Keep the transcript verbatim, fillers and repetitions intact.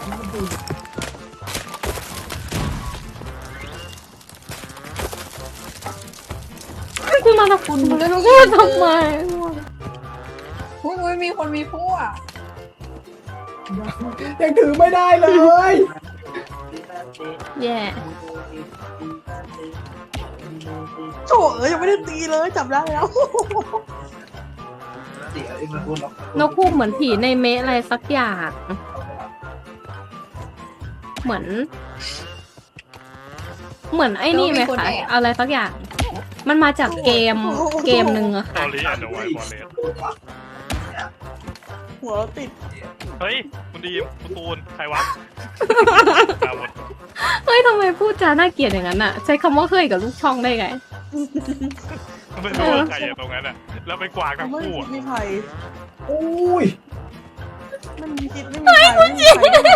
คุณมาทำคุณมาเลยพูดทำไมอุ้ยอุ้ยมีคนมีพวกยังถือไม่ได้เลยแย่โถเอ้ยยังไม่ได้ตีเลยจับได้แล้วนกคู่เหมือนผีในเมะอะไรสักอย่าง เหมือน เหมือนไอ้นี่ไหมคะอะไรสักอย่าง มันมาจากเกมเกมหนึ่งอะตอค่ะรี่แอนด์ไวบอลเลสหัวเราติดเฮ้ยคุณดีมคุณตูนใครวะดาวหมดเฮ้ยทำไมพูดจาน่าเกลียดอย่างนั้นอะใช้คำว่าเคยกับลูกช่องได้ไงไม่รู้ว่าใครอยู่ตรงนั้นอ่ะแล้วไปกวางทั้งไม่คู่คิดอะไม่ใครอุ้ยไม่มีคิดไม่มีใครไม่มีใคร